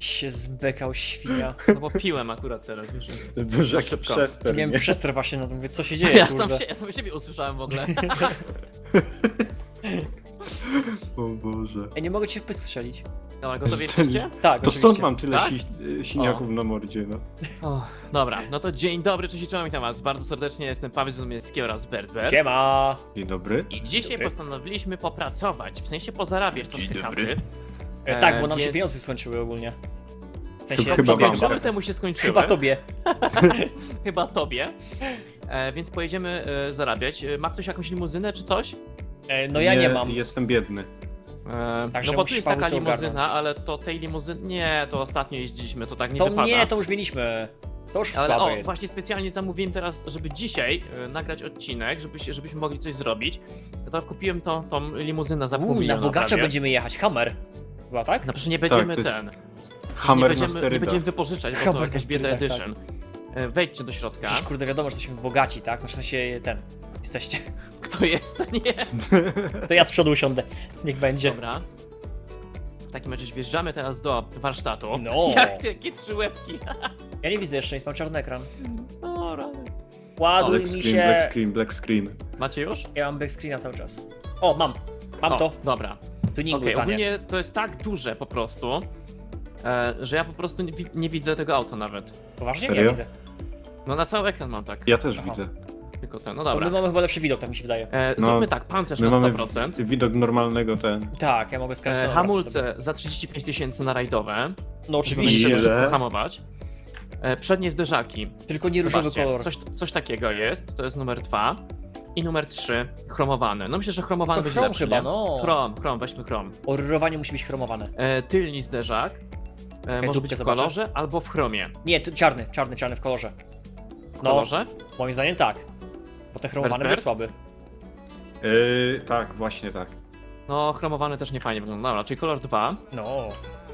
Się zbekał świnia. No bo piłem akurat teraz, wiesz. Boże, Tak szybko. przester, Miałem nie? przester właśnie na to, mówię, co się dzieje, Ja kurde. sam siebie usłyszałem w ogóle. O Boże. Ej, nie mogę cię w pysk strzelić. Dobra, gotowi jesteście? Tak, To stąd oczywiście. mam tyle Tak? siniaków na mordzie, no. O, dobra, no to dzień dobry, cześć i czołem, witam was bardzo serdecznie, jestem Paweł Zdomieński oraz Bertber. Siema! Dzień dobry. I dzisiaj Dobry. postanowiliśmy popracować, w sensie pozarabiać troszkę kasy. Tak, bo nam się więc- pieniądze skończyły ogólnie. W sensie, Chyba tobie, wam. Rok temu się skończyły. Chyba tobie. Chyba tobie. Więc pojedziemy zarabiać. Ma ktoś jakąś limuzynę czy coś? No ja nie mam. Jestem biedny. Także No bo tu musisz, jest Paweł, taka to limuzyna, ogarnąć. ale to tej limuzyny... Nie, to ostatnio jeździliśmy, to tak nie To wypada. nie, to już mieliśmy. To już Ale słabe o, jest. właśnie specjalnie zamówiłem teraz, żeby dzisiaj nagrać odcinek, żebyśmy mogli coś zrobić. To kupiłem tą limuzynę za pół Na miliona bogacza prawie. będziemy jechać, Hammer. Chyba tak? No przecież nie będziemy to jest ten. Hammer nie na będziemy sterydach. wypożyczać, bo to Hammer jakaś na bieda sterydach, edition. Wejdźcie do środka. Przecież kurde wiadomo, że jesteśmy bogaci, tak? No w sensie jesteście. Kto jest? Nie. To ja z przodu usiądę. Niech będzie. Dobra. W takim razie wjeżdżamy teraz do warsztatu. No. Jakie trzy łebki. Ja nie widzę jeszcze nic, mam czarny ekran. O, rany. Ładuj Black mi screen, się. black screen, black screen. Macie już? Ja mam backscreena cały czas. O, mam. Mam O, to. Dobra. Tuningu, Okej, panie. ogólnie to jest tak duże po prostu, że ja po prostu nie widzę tego auta nawet. Poważnie? Nie Serio? widzę. No na cały ekran mam tak. Ja też Aha. widzę. Tylko ten, no Bo dobra. my mamy chyba lepszy widok, tak mi się wydaje. No, Zróbmy tak, pancerz My na mamy 100%. widok normalnego ten. Tak, ja mogę skarżyć na Hamulce za 35 tysięcy na rajdowe. No Musimy oczywiście. Ile? szybko hamować. Przednie zderzaki. Tylko nie różowy Zobaczcie, kolor. coś takiego jest, to jest numer 2. I numer 3, chromowany. No myślę, że chromowany To będzie chrom lepszy, chyba, nie? no. Chrom, weźmy chrom. Oryrowanie musi być chromowane. Tylni zderzak. Może dupkę być w zobaczę. kolorze albo w chromie. Nie, czarny w kolorze. W No, kolorze? moim zdaniem tak. Bo te chromowane Berber? był słaby. Tak, właśnie tak. No, chromowany też nie fajnie wygląda. Dobra, czyli kolor 2. No.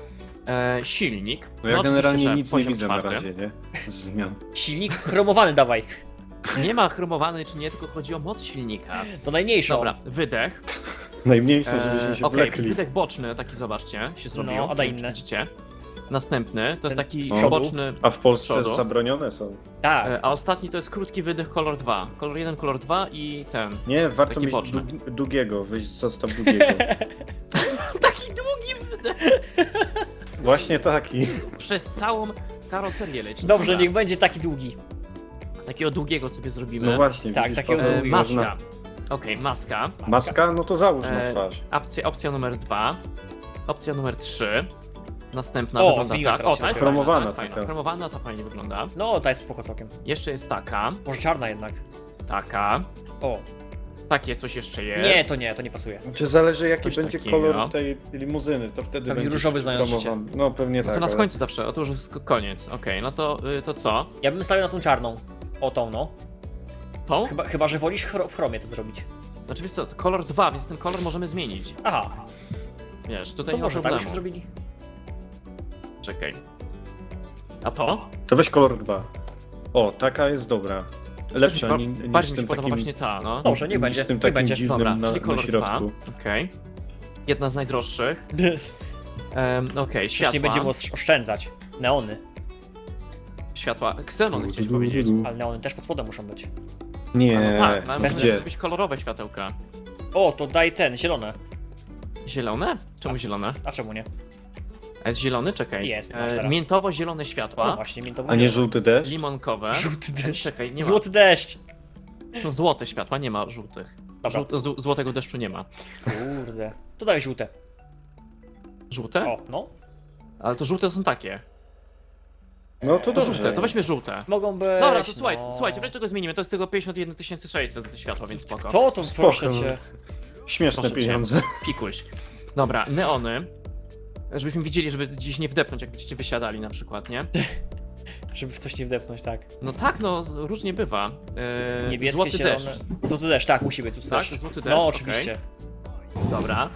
Silnik. No ja oczywiście, generalnie że nic nie poziom widzę na 4. razie, nie? Z zmian. Silnik chromowany dawaj. Nie ma chromowany czy nie, tylko chodzi o moc silnika. To najmniejszą. Dobra, wydech. Najmniejsze, żebyśmy się Okej, wlekli. wydech boczny, taki zobaczcie, się zrobił. No, a daj Nie wiem, czy inne. Widzicie? Następny, to jest Ten taki z przodu? boczny. A w Polsce przodu. zabronione są. Tak. A ostatni to jest krótki wydech kolor 2. Kolor 1, kolor 2 i ten. Nie, warto Taki mieć boczny. długiego, wyjść zostaw długiego. Taki długi wydech! Właśnie taki. Przez całą karoserię leci. Dobrze, Dobra. niech będzie taki długi. Takiego długiego sobie zrobimy. No właśnie, Tak, widzisz, takiego Paweł, długiego. Maska. Okej, maska. Maska? No to załóż na E, twarz. Opcja numer 2. Opcja numer 3. Następna O, wygląda zmieniła tak. teraz O, się ta jest dopiero. fajna, ta Chromowana jest fajna. taka. Chromowana to fajnie wygląda. No, ta jest spoko całkiem. Jeszcze jest taka. Może czarna jednak. Taka. O. Takie coś jeszcze jest. Nie, to nie pasuje. Czy zależy jaki Coś będzie takiego. kolor tej limuzyny, to wtedy Pewnie będzie różowy znając promowany. No pewnie No tak. to na ale- końcu zawsze, o to już jest koniec. Okej, no to co? Ja bym stawiał na tą czarną. O tą, no. Tą? Chyba że wolisz w chromie to zrobić. Znaczy wiesz co, to kolor 2, więc ten kolor możemy zmienić. Aha, Wiesz, tutaj to nie ma może tak problemu. byśmy zrobili. Czekaj. A to? To weź kolor 2. O, taka jest dobra. Lepsza niż Bardziej z mi się tym podoba takim... właśnie ta, no. Dobrze, niech niż będzie, z tym niech takim będzie. dziwnym Dobra, na, czyli na kolor 2. środku. Okej. Jedna z najdroższych. Okej, Przecież światła. nie będziemy oszczędzać. Neony. Światła. Xenony chciałeś powiedzieć. Ale neony też pod spodem muszą być. Nie, No tak, no, ale bez- muszą gdzie? być kolorowe światełka. O, to daj zielone. Zielone? Czemu zielone? A czemu nie? A jest zielony? Czekaj. Jest, masz teraz. Miętowo-zielone No światła. właśnie, miętowo A nie żółty deszcz? Limonkowe. Żółty deszcz. Czekaj, nie ma. Złoty deszcz. To złote światła, nie ma żółtych. Dobra. Złotego deszczu nie ma. Kurde. To daj żółte. Żółte? O, no. Ale to żółte są takie. No to To dobrze. żółte, to weźmy żółte. Mogą być. Dobra, to no. słuchajcie, wreszcie go zmienimy. To jest tylko 51 600 za te światła, więc spoko. Kto to Spoko. proszę cię? Śmieszne Proszę cię. pieniądze. Pikuś. Dobra, neony. Żebyśmy widzieli, żeby gdzieś nie wdepnąć, jak będziecie wysiadali na przykład, nie? Żeby w coś nie wdepnąć, tak. No tak, no różnie bywa. Niebieskie, Złoty zielone. deszcz. Złoty deszcz, tak, musi być złoty Tak, deszcz. złoty deszcz, No, okej. oczywiście. Dobra.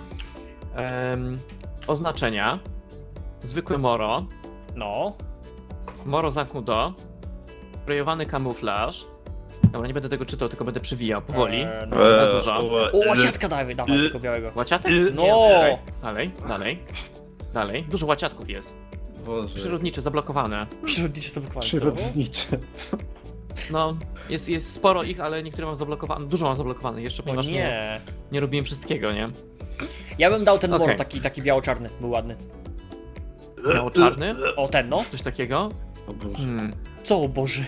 Oznaczenia. Zwykły moro. No. Moro Zakudo. Projowany kamuflaż. Dobra, nie będę tego czytał, tylko będę przewijał powoli. No. Za dużo. O, łaciatka dawaj tego białego. Łaciatek? No. Nie, okej. Dalej. Dużo łaciatków jest. Boże. Przyrodnicze, zablokowane. Przyrodnicze są bukwały, co? Przyrodnicze. Co? No, jest sporo ich, ale niektóre mam zablokowane, dużo mam zablokowane jeszcze, O ponieważ nie robiłem wszystkiego, nie? Ja bym dał ten Okej. mor, taki biało-czarny, był ładny. Biało-czarny, O, ten no. coś takiego. O Boże. Co, o Boże.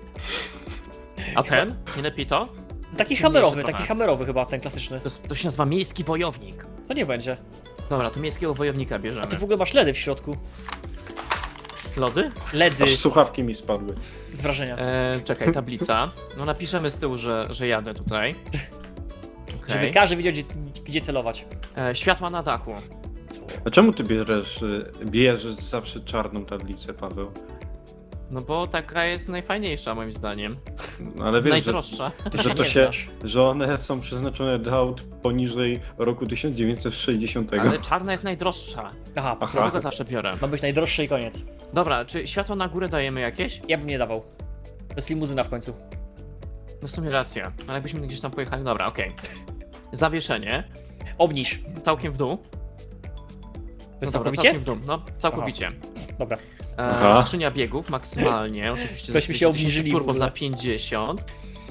A ten? Nie lepiej to? Taki Ciemniejszy hamerowy, trochę. taki hamerowy chyba, ten klasyczny. To się nazywa miejski wojownik. To nie będzie. Dobra, to miejskiego wojownika bierzemy. A ty w ogóle masz ledy w środku. Lody? Ledy Aż słuchawki mi spadły. z wrażenia. Czekaj, tablica. No napiszemy z tyłu, że jadę tutaj. Żeby Okej. każdy wiedział, gdzie celować. Światła na dachu. A czemu ty bierzesz zawsze czarną tablicę, Paweł? No bo taka jest najfajniejsza moim zdaniem. No, ale wiesz, Najdroższa. Ty że się to nie się, znasz. że one są przeznaczone do aut poniżej roku 1960. Ale czarna jest najdroższa. Aha, po Aha. prostu. Dlatego zawsze biorę. Ma być najdroższy i koniec. Dobra, czy światło na górę dajemy jakieś? Ja bym nie dawał. To jest limuzyna w końcu. No w sumie racja. Ale jakbyśmy gdzieś tam pojechali, dobra, okej. Zawieszenie. Obniż. Całkiem w dół. To jest No dobra, całkowicie? całkiem w dół. No, całkowicie. Dobra. Aha. Skrzynia biegów maksymalnie, oczywiście. Tośmy za się 200 000, obniżyli w turbo ogóle. za 50.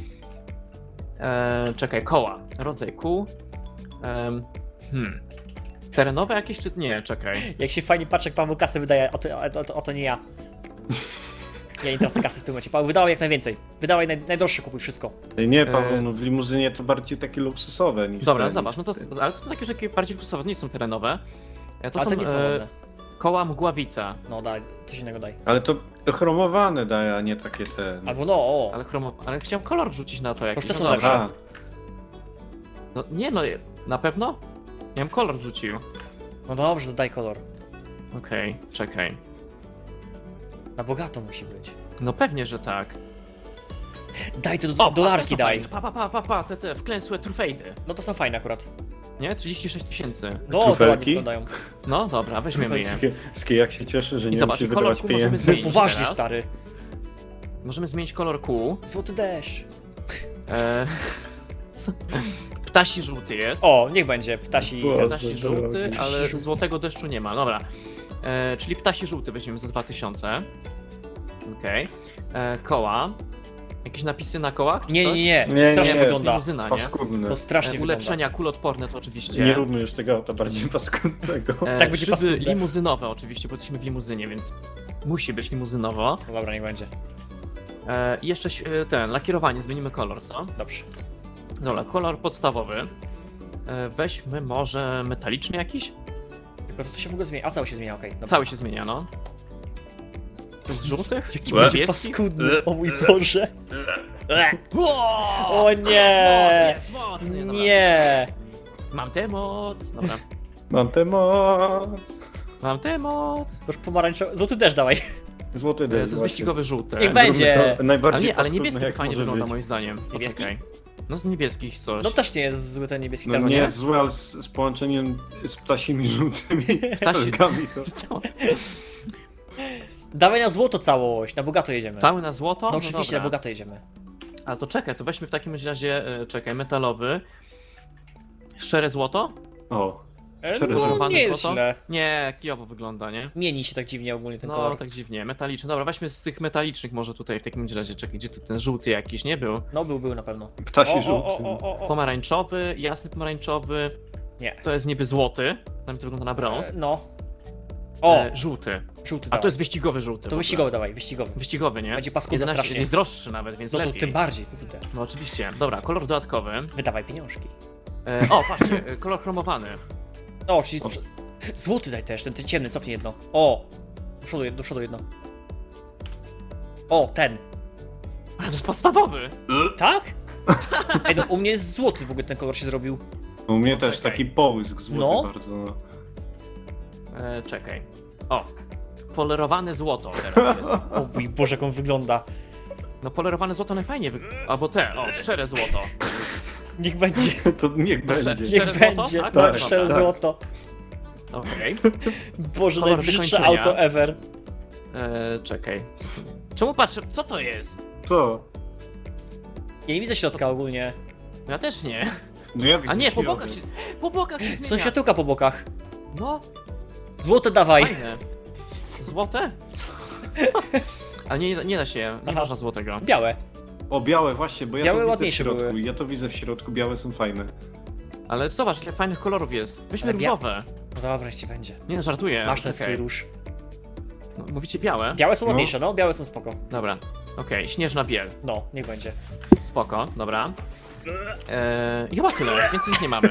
Czekaj, koła. Rodzaj kół. Terenowe jakieś czy nie? Czekaj. Jak się fajnie patrzę, jak Paweł kasę wydaje, o to nie ja. Ja nie tracę kasy w tym momencie. Paweł, wydawaj jak najwięcej. Wydawaj najdroższe, kupuj wszystko. Nie, Paweł, no w limuzynie to bardziej takie luksusowe niż Dobra, te, zobacz, no niż to, te. ale to są takie, że bardziej luksusowe, nie są terenowe. To Ale są to nie są ładne. koła mgławica. No daj, coś innego daj. Ale to chromowane daje, a nie takie te... Albo no, o. Ale chciałem kolor rzucić na to jakiś. te są no dobra. lepsze. A, No nie no, na pewno? Ja bym kolor rzucił. No dobrze, to daj kolor. Okej, czekaj. Na bogato musi być. No pewnie, że tak. Daj te O, dolarki te są daj. fajne. Pa, te wklęsłe trufejdy. No to są fajne akurat. Nie? 36 000. No, to ładnie Trufelki? wyglądają. No dobra, weźmiemy je. Skie jak się cieszy, że I nie zobacz, musi kolor wydawać kół możemy pieniędzy. zmienić. Poważnie, teraz. stary. Możemy zmienić kolor kół. Złoty deszcz. Co? Ptasi żółty jest. O, niech będzie. Ptasi. Boże. Ptasi żółty, Ptasi ale żółty. złotego deszczu nie ma. Dobra. Czyli ptasi żółty weźmiemy za 2000. Okej. Koła. Jakieś napisy na kołach? czy Nie, coś? nie, nie. Nie, To strasznie nie, wygląda. Limuzyna, nie? Paskudne. To strasznie wygląda. Ulepszenia kulodporne to oczywiście. Nie róbmy już tego auta bardziej paskudnego. Tak będzie Szyby paskudne. limuzynowe oczywiście, bo jesteśmy w limuzynie, więc musi być limuzynowo. No dobra, niech będzie. I jeszcze lakierowanie, zmienimy kolor, co? Dobrze. Dobra, kolor podstawowy. Weźmy może metaliczny jakiś? Tylko co to się w ogóle zmienia? A cały się zmienia, okej. Dobra. Cały się zmienia, no. To z żółtych? Jaki Z będzie niebieskich? paskudny, o mój Boże. Wow! O nie! Jest mocny, dobra. Nie! Mam tę moc. Dobra. Mam tę moc. Mam tę moc. To już pomarańczowy. Złoty deszcz dawaj. Złoty To deszcz. jest właśnie. wyścigowy żółty. Niech będzie. Zróbmy to Ale najbardziej nie, ale paskudne, niebieski jak fajnie może wygląda być. moim zdaniem. Niebieski? Poczekaj. No z niebieskich coś. No też nie jest zły ten niebieski No teraz, nie nie? jest złe, ale z połączeniem z ptasimi żółtymi Ptasi- felgami to... Co? Dawaj na złoto całość, na bogato jedziemy. Cały na złoto? No oczywiście, dobra. na bogato jedziemy. Ale to czekaj, to weźmy w takim razie, czekaj, metalowy. Szczere złoto? O, No, Kolorowane nie jest złoto? źle. Nie, kijowo wygląda, nie? Mieni się tak dziwnie ogólnie ten No, kolor. tak dziwnie, metaliczny. Dobra, weźmy z tych metalicznych może tutaj w takim razie, czekaj, gdzie tu ten żółty jakiś, nie był? No był na pewno. ptasi żółty. Pomarańczowy, jasny pomarańczowy, Nie. to jest niby złoty, tam to wygląda na brąz. No. O, Żółty. żółty A dawaj. to jest wyścigowy żółty. w To ogóle. wyścigowy dawaj, wyścigowy. Wyścigowy, nie? Będzie paskudny 11, strasznie. jest droższy nawet, więc No to lepiej. tym bardziej, kurde. No oczywiście. Dobra, kolor dodatkowy. Wydawaj pieniążki. O, patrzcie, kolor chromowany. O, czyli złoty daj też, ten ciemny, cofnij jedno. O! Do przodu jedno. O, ten. Ale to jest podstawowy. Tak? Ej, no u mnie jest złoty w ogóle ten kolor się zrobił. U mnie też Poczekaj. taki połysk złoty No. bardzo. No. Czekaj. O, polerowane złoto teraz jest. O mój Boże, jak on wygląda. No polerowane złoto najfajniej Albo szczere złoto. Niech będzie. To niech będzie. Szczere Niech złoto? będzie. Tak? Tak, Tak, szczere tak. złoto. Okej. Boże, Kolor najbrzydsze wykończenia. auto ever. Czekaj. Czemu patrzę? Co to jest? Co? Ja nie widzę środka ogólnie. Ja też nie. No ja widzę A nie, po środek. bokach się, po bokach się zmienia. Są światełka po bokach. No, Złote dawaj. fajne. Złote? Co? Ale nie da się, nie Aha. można złotego. Białe. O, białe właśnie, bo ja Białe to widzę w ładniejsze środku. były. Ja to widzę w środku, białe są fajne. Ale zobacz, ile fajnych kolorów jest. Weźmy Ale różowe. No dobra, ci będzie. Nie no, żartuję. Masz ten okej. swój róż. No, mówicie białe? Białe są No. ładniejsze, no, białe są spoko. Dobra. Okej, śnieżna biel. No, niech będzie. Spoko, dobra. I chyba tyle, więcej nic nie mamy.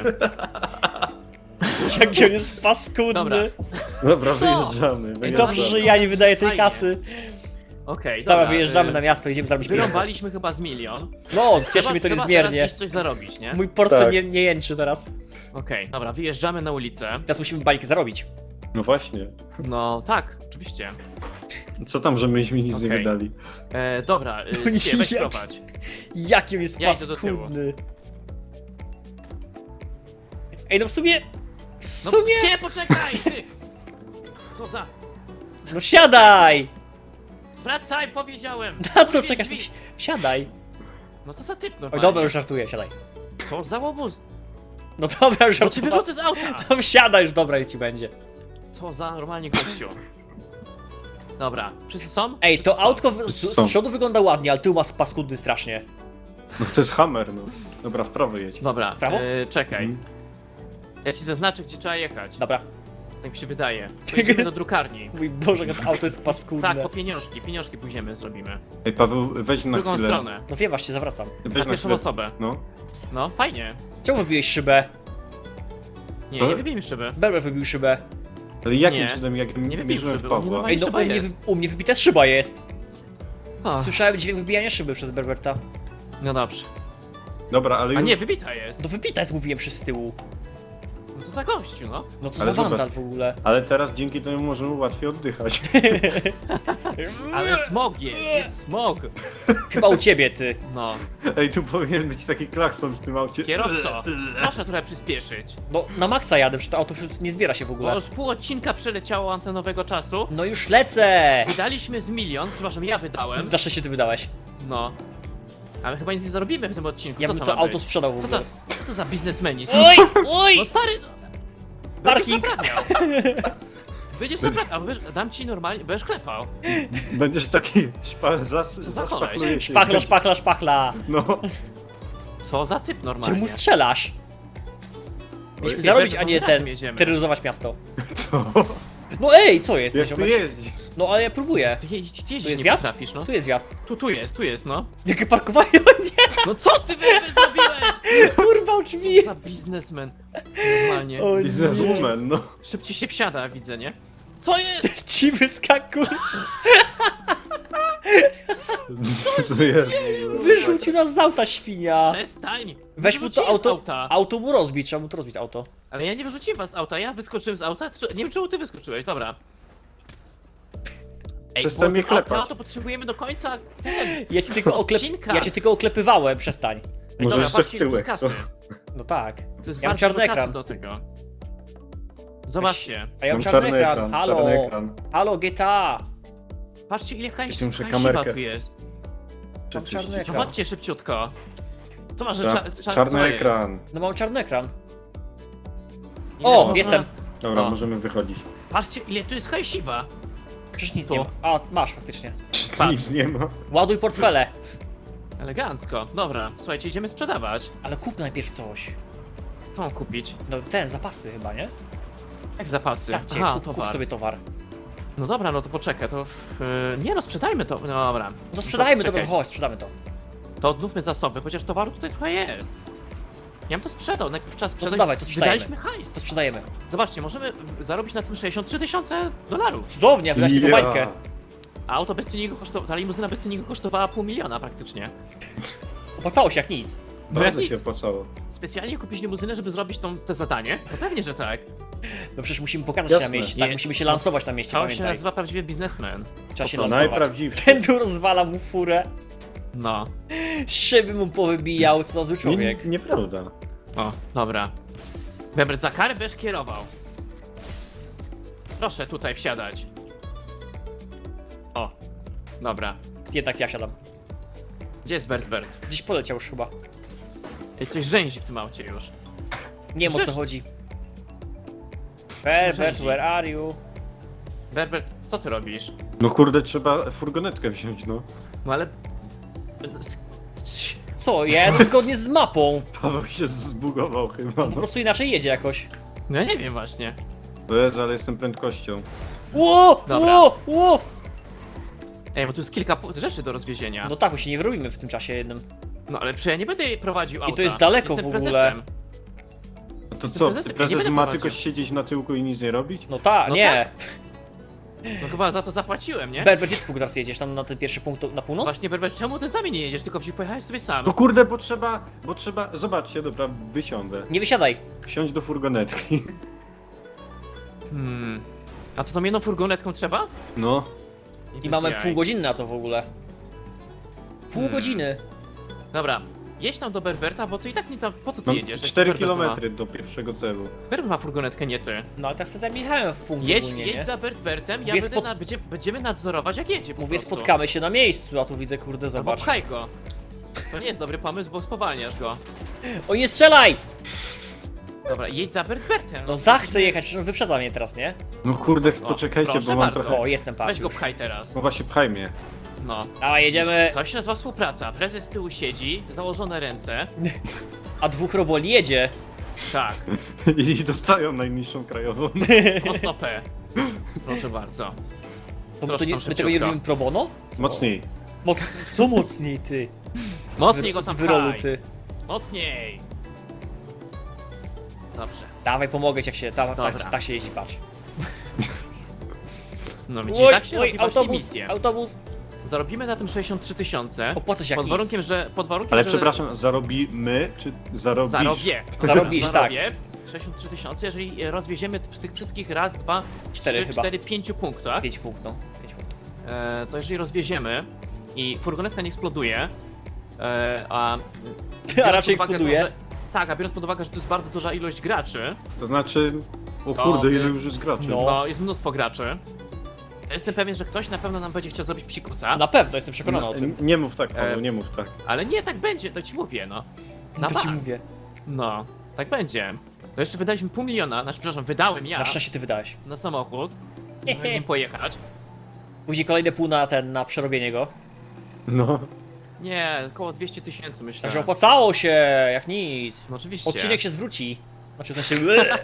Jaki on jest paskudny. Dobra. Dobra, Co? wyjeżdżamy. I dobrze, że ja nie wydaję tej Fajnie. kasy. Okej, Dobra, wyjeżdżamy na miasto, idziemy zarobić pieniądze. Wyrąbaliśmy chyba z milion. No, cieszy mnie to Trzeba niezmiernie. teraz iść coś zarobić, nie? Mój portfel Tak. nie jęczy teraz. Okej, dobra, wyjeżdżamy na ulicę. Teraz musimy bańki zarobić. No właśnie. No tak, oczywiście. Co tam, że myśmy nic nie Okej. wydali? Dobra, nie Skie, weź jak- prowadź. Jaki on jest Ja idę do tyłu. paskudny. Ej, no w sumie... W No sumie... Skie, poczekaj, ty! Co za... No siadaj! Wracaj, powiedziałem! Na co Wyjedź czekasz? drzwi. Siadaj. No co za typ Oj, normalnie? dobra, już żartuję, siadaj. Co za łobuz? No dobra, już No cię żartuję. wyrzucę z auta! No siadaj już, dobra, ci będzie. Co za normalnie gościu. Dobra, wszyscy są? Ej, to Wszyscy są. autko z Są. przodu wygląda ładnie, ale tył ma paskudny strasznie. No to jest hammer, no. Dobra, w prawo jedź. Dobra, W prawo? czekaj. Mhm. Ja ci zaznaczę, gdzie trzeba jechać. Dobra. Tak mi się wydaje. Pojedziemy do drukarni. Mój Boże, jak to auto jest paskudne. Tak, po pieniążki pójdziemy, zrobimy. Ej, Paweł, weź W na drugą chwilę. stronę. No wiem, właśnie zawracam. Weź Na na pierwszą chwilę. osobę. No. No, fajnie. Czemu wybiłeś szybę? Nie wybijmy szyby. Berber wybił szybę. Ale jakim Nie. cudem, jak Nie wybił mierzyłem szyby, w on nie Pawła? ma- Ej, no szyba u mnie, jest. u mnie wybita szyba jest. O, Słyszałem dźwięk wybijania szyby przez Berberta. no dobrze. Dobra, ale A już... nie, wybita jest. No wybita jest, mówiłem, przez tyłu. No to za gościu, no. No co Ale za zobacz. wandal w ogóle. Ale teraz dzięki temu możemy łatwiej oddychać. Ale smog jest smog. Chyba u ciebie, ty. No. Ej, tu powinien być taki klakson w tym aucie. Kierowco, proszę trochę przyspieszyć. No, na maksa jadę, przecież to auto nie zbiera się w Bo ogóle. już pół odcinka przeleciało antenowego czasu. No już lecę! Wydaliśmy z milion, przepraszam, ja wydałem. Na szczęście ty wydałeś. No. Ale chyba nic nie zarobimy w tym odcinku. Ja Co bym to to ma auto być? sprzedał w Co ogóle. to za biznesmeni? Oj, oj! No stary, no. Parking. Będziesz naprawiał. Będziesz naprawiał, dam ci normalnie, będziesz klepał. Będziesz taki za koleś? zaszpakluje się. Szpachla, szpachla, szpachla. No. Co za typ normalnie. Czemu strzelasz? Mieliśmy Ej, zarobić, Berber, a nie razem ten, jedziemy. terroryzować miasto. Co? No ej, co jest? Jak tu ziomek? jeździć? No ale ja próbuję. Ty jeździć Tu jest nie wjazd? potrafisz, no. Tu jest wjazd. Tu jest, no. Jakie parkowanie? O nie, No co ty Weber zrobiłeś? urwał drzwi. Co za biznesmen. Normalnie. O nie. Bizneswoman, no. Szybciej się wsiada, widzę, nie? Co jest? Ci wyskakuj. Co jest? Wyrzucił nas z auta, świnia. Przestań! Weź mu to Wyrzuciłem z auto. auta. Auto mu rozbić, trzeba mu to rozbić auto. Ale ja nie wyrzuciłem was z auta, ja wyskoczyłem z auta. Nie wiem czemu ty wyskoczyłeś, dobra. Ej, Przestań bo mnie to klepać. auto potrzebujemy do końca. Ten. Ja cię tylko, Odcinka. ja cię tylko oklepywałem, przestań. Ej, Może dobra, jeszcze patrzcie w ile tu jest tyłek, kasy. No tak. To jest Ja mam bardzo czarny dużo kasy ekran. do tego. Zobaczcie. A ja mam Mam czarny ekran. Halo. czarny ekran. Halo, GTA. Patrzcie ile Jeszcze muszę hajsiwa kamerkę. tu jest. Mam czarny No ekran. chodźcie szybciutko. Co masz, że Czarny co jest? ekran. No mam czarny ekran. Ile O, można- jestem. Dobra, O. możemy wychodzić. Patrzcie ile tu jest hajsiwa. Przecież nic Tu. nie ma. A, masz faktycznie. Patrz. Nic nie ma. Ładuj portfele. Elegancko. Dobra, słuchajcie, idziemy sprzedawać. Ale kup najpierw coś. Co mam kupić? No ten, zapasy chyba, nie? Jak zapasy? Starcie, Aha, kup towar. sobie towar. No dobra, no to poczekaj, to... nie no, sprzedajmy to, no dobra. No to sprzedajmy, czekaj. dobra, chodź, sprzedamy to. To odnówmy zasoby, chociaż towaru tutaj trochę jest. Ja bym to sprzedał, najpierw trzeba sprzedać. dawaj, to sprzedajemy. Wydaliśmy hajs. To sprzedajemy. Zobaczcie, możemy zarobić na tym 63 tysiące dolarów. Cudownie, wydać tylko Ja. bańkę. A auto bez tuningu kosztowała, ta limuzyna bez tuningu kosztowała $500 000 praktycznie. Opłacało się jak nic. No jak Bardzo się nic. opłacało. Specjalnie kupić limuzynę, żeby zrobić te zadanie? No pewnie, że tak. No przecież musimy pokazać się na Jasne. mieście, tak? Nie. Musimy się lansować na mieście, To się pamiętaj. nazywa prawdziwy biznesmen. Trzeba się po prostu. lansować. Najprawdziwszy. Ten tu rozwala mu furę. No. Szyby mu powybijał, co za zły Nie, człowiek. nieprawda. O, dobra. Weber, za karę będziesz kierował. Proszę tutaj wsiadać. O, dobra. Jednak ja siadam. Gdzie jest Bert? Gdzieś poleciał już chyba. Ej, coś rzęzi w tym aucie już. Nie wiem o co Przecież- chodzi. Herbert, Rzęzi. where are you? Berbert, co ty robisz? No kurde, trzeba furgonetkę wziąć, no. No ale... Co, ja jadę zgodnie z mapą. Paweł się zbugował chyba, On po no. prostu inaczej jedzie jakoś. No ja nie wiem właśnie. To jest, ale jestem prędkością. Ło, Dobra. ło. Ej, bo tu jest kilka rzeczy do rozwiezienia. No tak, bo się nie wyrobimy w tym czasie jednym. No ale przecież ja nie będę jej prowadził auta. to jest daleko Jestem w ogóle. prezesem. No to Jestem co, prezesem, ja nie prezes będę ma prowadził. tylko siedzieć na tyłku i nic nie robić? No tak, No nie. No chyba za to zapłaciłem, nie? Berber, gdzie ty teraz jedziesz? Tam na ten pierwszy punkt na północ? Właśnie, Berbert, czemu ty z nami nie jedziesz, tylko pojechałeś sobie sam? No kurde, bo trzeba, zobaczcie, dobra, wysiądę. Nie wysiadaj. Wsiądź do furgonetki. A to tą jedną furgonetką trzeba? No. I mamy Bez jaj. pół godziny na to w ogóle. Pół godziny. Dobra, jedź tam do Berberta, bo ty i tak nie tam, po co ty Mam jedziesz? jak 4 Berbert ma- km do pierwszego celu. Berbert ma furgonetkę, nie ty. No ale tak sobie tam jechałem w punkt Jedź, ogólnie, jedź nie? za Berbertem, ja Mówię, będziemy nadzorować jak jedzie po Mówię, prostu. spotkamy się na miejscu, a tu widzę, kurde, Albo zobacz. pchaj go. To nie jest dobry pomysł, bo spowalniasz go. O, nie strzelaj! Dobra, jedź za Berbertem. No zachcę jechać, przecież on wyprzedza mnie teraz, nie? No kurde, poczekajcie, proszę bo mam bardzo. trochę... O, jestem, patrz Weź go już. pchaj teraz. No właśnie, pchaj mnie. No. Dawaj, jedziemy. To się nazywa współpraca. Prezes z tyłu siedzi, założone ręce. A dwóch roboli jedzie. Tak, I dostają najniższą krajową. mocno P. Proszę bardzo. To my, Proszę to nie, tam my tego nie szybciutko. robimy pro bono? Co? Mocniej. Co mocniej, ty? Mocniej go Z tam wyrolu, pchaj. ty. Mocniej. Dobrze. Dawaj, pomogę ci, jak się, Dobra. tak się jeździ, patrz. No widzicie, tak się robi właśnie autobus, misję. autobus. Zarobimy na tym 63 tysiące. Opłaca się jak Pod nic. warunkiem, że... Ale przepraszam, zarobimy, czy zarobisz? Zarobię. Zarobisz, tak. Zarobię 63 tysiące, jeżeli rozwieziemy z tych wszystkich raz, dwa, Cztery trzy, chyba. cztery, 5 punktach, 5 punktów, no. 5 punktów. to jeżeli rozwieziemy i furgonetka nie eksploduje, A biorąc raczej pod uwagę eksploduje. To, że, tak, a biorąc pod uwagę, że to jest bardzo duża ilość graczy, To znaczy... O To kurde, wy- ile już jest graczy. No. bo jest mnóstwo graczy, to jestem pewien, że ktoś na pewno nam będzie chciał zrobić psikusa, Na pewno, jestem przekonany o tym. Nie mów tak, Paweł, E, nie mów tak. ale nie, tak będzie, to ci mówię, no. Na To ci bank. mówię. No, tak będzie. To jeszcze wydaliśmy pół miliona, znaczy, przepraszam, wydałem ja Na szczęście ty wydałeś. na samochód, żeby nim pojechać. Później kolejne pół na przerobienie go. No. Nie, około 200 tysięcy myślę. Także opłacało się, jak nic. No oczywiście. Odcinek się zwróci. Znaczy w sensie...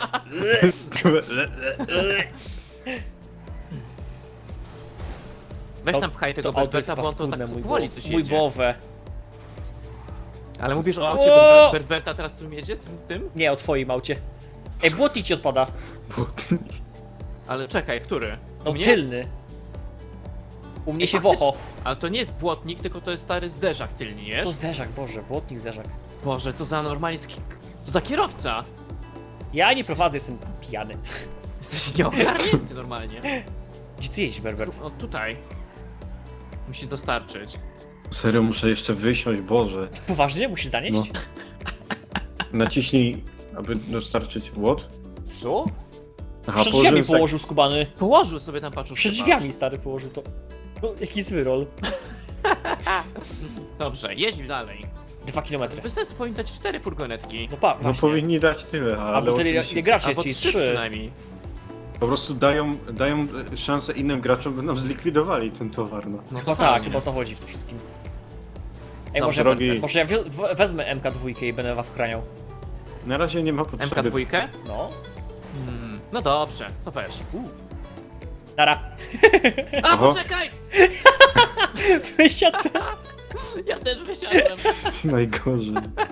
Weź tam pchaj tego To auto jest Berberta, bo on to tak paskudne, powoli coś mój jedzie. bowę. Ale mówisz o aucie O! Berberta teraz, którym jedzie? Tym? Nie, o twoim aucie. Ej, błotnik ci odpada. Ale czekaj, który? No U mnie? tylny. U mnie się faktycznie. wocho. Ale to nie jest błotnik, tylko to jest stary zderzak tylny, To jest? zderzak, Boże, błotnik zderzak. Boże, co za normalnie... Co za kierowca? Ja nie prowadzę, jestem pijany. Jesteś nieogarnięty normalnie. Gdzie ty jeździsz, Berbert? O, tutaj. Musi dostarczyć. Serio, muszę jeszcze wysiąść, Boże. Poważnie? Musisz zanieść? No. Naciśnij, aby dostarczyć łot. Co? Aha, Przed położyłem drzwiami sak- położył skubany. Położył sobie tam paczuszkę. Przed drzwiami, stary, położył to. No, jaki zły rol. Dobrze, jedź dalej. 2 kilometry. By sobie powinien dać 4 furgonetki. No pa, No właśnie. powinni dać tyle, ale Albo tyle, oczywiście ile graczy jest, Albo czyli 3 3. przynajmniej. po prostu dają szansę innym graczom, by nam zlikwidowali ten towar, no. No Chyba totalnie. tak, chyba o to chodzi w tym wszystkim. Ej, Dobrze, może ja wezmę MK2 i będę was ochraniał. Na razie nie ma potrzeby. MK2? No. No dobrze, to weź. Nara. A, Oho. poczekaj! Wysiadł. Ja też wysiadłem. Najgorzej.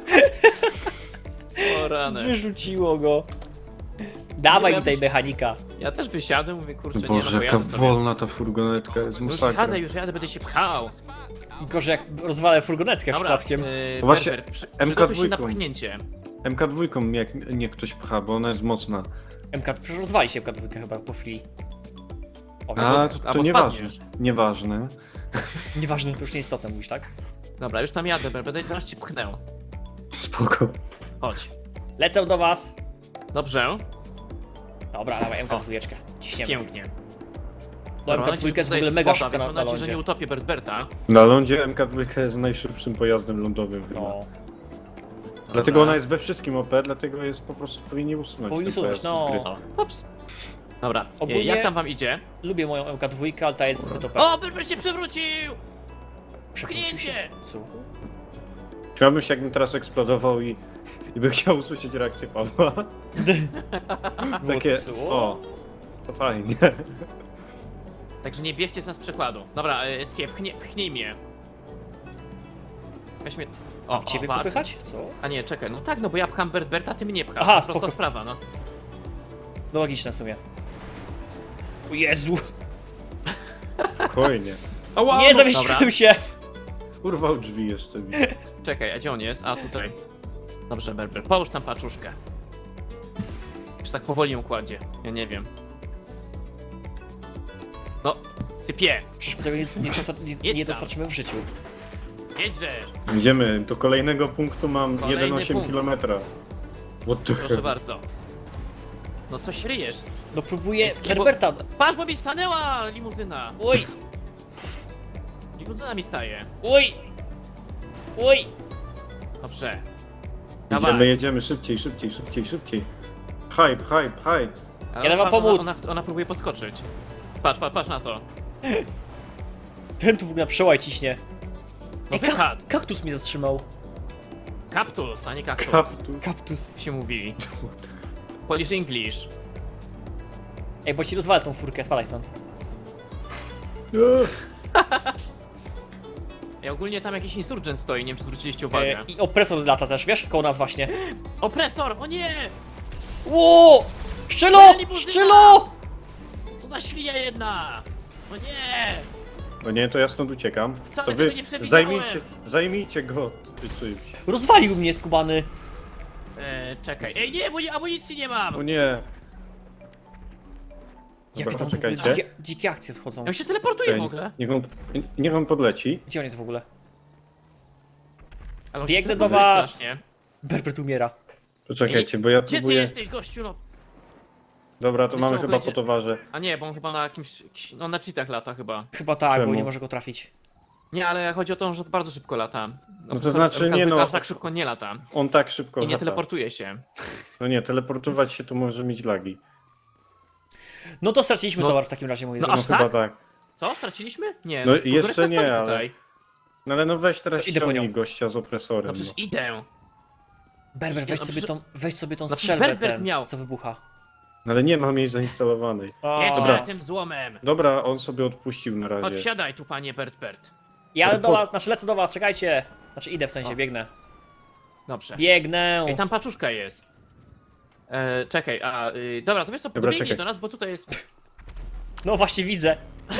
O rany. Wyrzuciło go. Dawaj Nie mi tej wiem, mechanika. Ja też wysiadłem, mówię, kurczę, nie, Boże, no jaka pojadę sobie. wolna ta furgonetka jest, masakra. Już jadę, będę się pchał. Gorzej jak rozwalę furgonetkę Dobra, przypadkiem. Właśnie, Berber, przygotuj się MK2. na pchnięcie. MK2 niech ktoś pcha, bo ona jest mocna. Przecież rozwali się MK2 chyba po chwili. O, A, więc to albo nieważne. spadniesz. Nieważne. nieważne, to już nieistotne mówisz, tak? Dobra, już tam jadę, będę zaraz cię pchnę. Spoko. Chodź. Lecę do was. Dobrze, Dobra, dawaj MK2. Ciśniemy. pięknie. Bo Dobra, mam nadzieję, MK2 jest w że ogóle tutaj mega woda, szybka więc na mam nadzieję, że lądzie. nie utopię Berberta. Na lądzie MK2 jest najszybszym pojazdem lądowym chyba. No. Dlatego ona jest we wszystkim OP, dlatego jest po prostu powinni usunąć Powinni ten usunąć, pojazd z gry. no. O, ups. Dobra, Ogólnie- jak tam wam idzie? Lubię moją MK2, ale ta jest zbyt OP. O, Berber się przewrócił! Przewrócił się. pchnięcie! Co? Chciałbym się, jakbym teraz eksplodował i bym chciał usłyszeć reakcję Pawła. Takie, Co? o, to fajnie. Także nie bierzcie z nas przykładu. Dobra, Escape, pchnij mnie. Weź mnie... O, Ciebie patrz. popychać? Co? A nie, czekaj, no tak, no bo ja pcham Berta, ty mnie pchasz. Aha, Prosta spoko. sprawa, no. No logiczne w sumie. O Jezu! Spokojnie. Ała, Nie no, zamieściłem dobra. się! urwał drzwi jeszcze mi. Czekaj, a gdzie on jest? A, tutaj. Dobrze, Berber, połóż tam paczuszkę. Czy tak powoli ją kładzie? Ja nie wiem. No, typie, Przecież my tego nie Jedź tam. dostarczymy w życiu. jedźże! Idziemy, do kolejnego punktu mam Kolejny 1,8 punkt. km. What the Proszę hell? bardzo. No coś ryjesz. No próbuję... Escape, Herberta! Patrz, bo mi stanęła limuzyna! Oj! Limuzyna mi staje. Oj! Oj! Dobrze. Jedziemy, szybciej, szybciej, szybciej, szybciej. Hype. Ale Jadę wam patrz, pomóc. Ona próbuje podskoczyć. Patrz na to. Ten tu w ogóle na przełaj ciśnie. No wychad! Kaktus mi zatrzymał. Kaktus, a nie kaktus. Kaptus. Kaktus. Jak się mówi. Polish English. Ej, bo ci rozwalę tą furkę, spadaj stąd. I ogólnie tam jakiś insurgent stoi, nie wiem czy zwróciliście uwagę. I opresor lata też, wiesz? Koło nas właśnie. Opresor! O nie! Ło! Szczelo! Moja limuzyna! Szczelo! Co za świnia jedna! O nie! No nie, to ja stąd uciekam. Wcale To tego wy nie przewidziałem. zajmijcie go czymś. Rozwalił mnie skubany. Czekaj. Ej nie, bo amunicji nie mam! O nie. Jakie Dobra, tam w ogóle poczekajcie. dzikie akcje odchodzą. Ja się teleportuję w ogóle. Niech on podleci. Gdzie on jest w ogóle? Ale on się Biegnę do teleportuje was. strasznie. Berbert umiera. Poczekajcie, bo ja Gdzie ty próbuję... jesteś, gościu? No. Dobra, to Wiesz mamy co, chyba będzie- po towarze. A nie, bo on chyba na jakimś... No na cheatach lata chyba. Chyba tak, Czemu? bo nie może go trafić. Nie, ale chodzi o to, że bardzo szybko lata. No to znaczy, nie no. Aż tak szybko nie lata. On tak szybko I nie lata. teleportuje się. No nie, teleportować się tu może mieć lagi. No to straciliśmy No. towar w takim razie, moi No drodzy. aż No chyba tak? tak. Co? Straciliśmy? Nie, No w ogóle jeszcze kto nie, stoi ale- tutaj. No ale no weź teraz Idę po ściągnij nią. gościa z opresorem. No przecież idę. Berber, weź No sobie przecież- weź sobie tą No przecież strzelbę Berbert ten, miał. co wybucha. No ale nie mam jej zainstalowanej. Jedź Dobra. tym złomem. Dobra, on sobie odpuścił na Chodź, razie. wsiadaj tu, panie Bert. Jadę do was, znaczy lecę do was, czekajcie. Znaczy idę w sensie, O. biegnę. Dobrze. Biegnę. Ej, tam paczuszka jest. Czekaj, dobra, to wiesz co, Dobra, dobiegnie czekaj. do nas, bo tutaj jest... No właśnie widzę.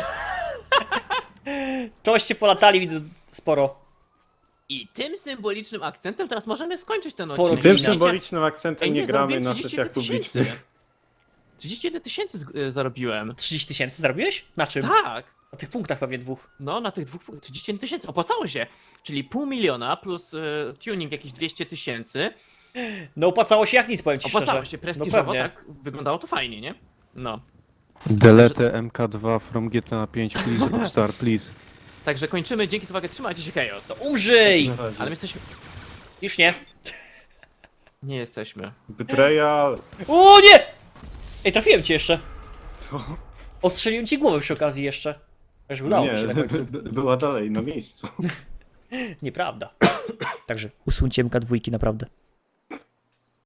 Toście polatali, widzę sporo. I tym symbolicznym akcentem teraz możemy skończyć ten Poro- odcinek. Tym Ej, symbolicznym akcentem nie gramy zarobiłem na 31 sesjach publicznych. 31 tysięcy zarobiłem. 30 tysięcy zarobiłeś? Na czym? Tak. Na tych punktach pewnie dwóch. No, na tych dwóch 31 tysięcy. Opłacało się. Czyli pół miliona plus tuning jakieś 200 tysięcy. No opłacało się jak nic, powiem ci Opłacało szczerze. się No prestiżowo, pewnie. tak? Wyglądało to fajnie, nie? No. Delete MK2 from GTA 5, please Rockstar, please. Także kończymy. Dzięki za uwagę. Trzymajcie się, Chaos. Umrzyj! Na razie. Ale my jesteśmy... Już nie. Nie jesteśmy. Betrayal! O nie! Ej, trafiłem cię jeszcze. Co? Ostrzeliłem ci głowę przy okazji jeszcze. Już udało mi się na końcu. Była dalej, na miejscu. Nieprawda. Także usuńcie MK2 naprawdę.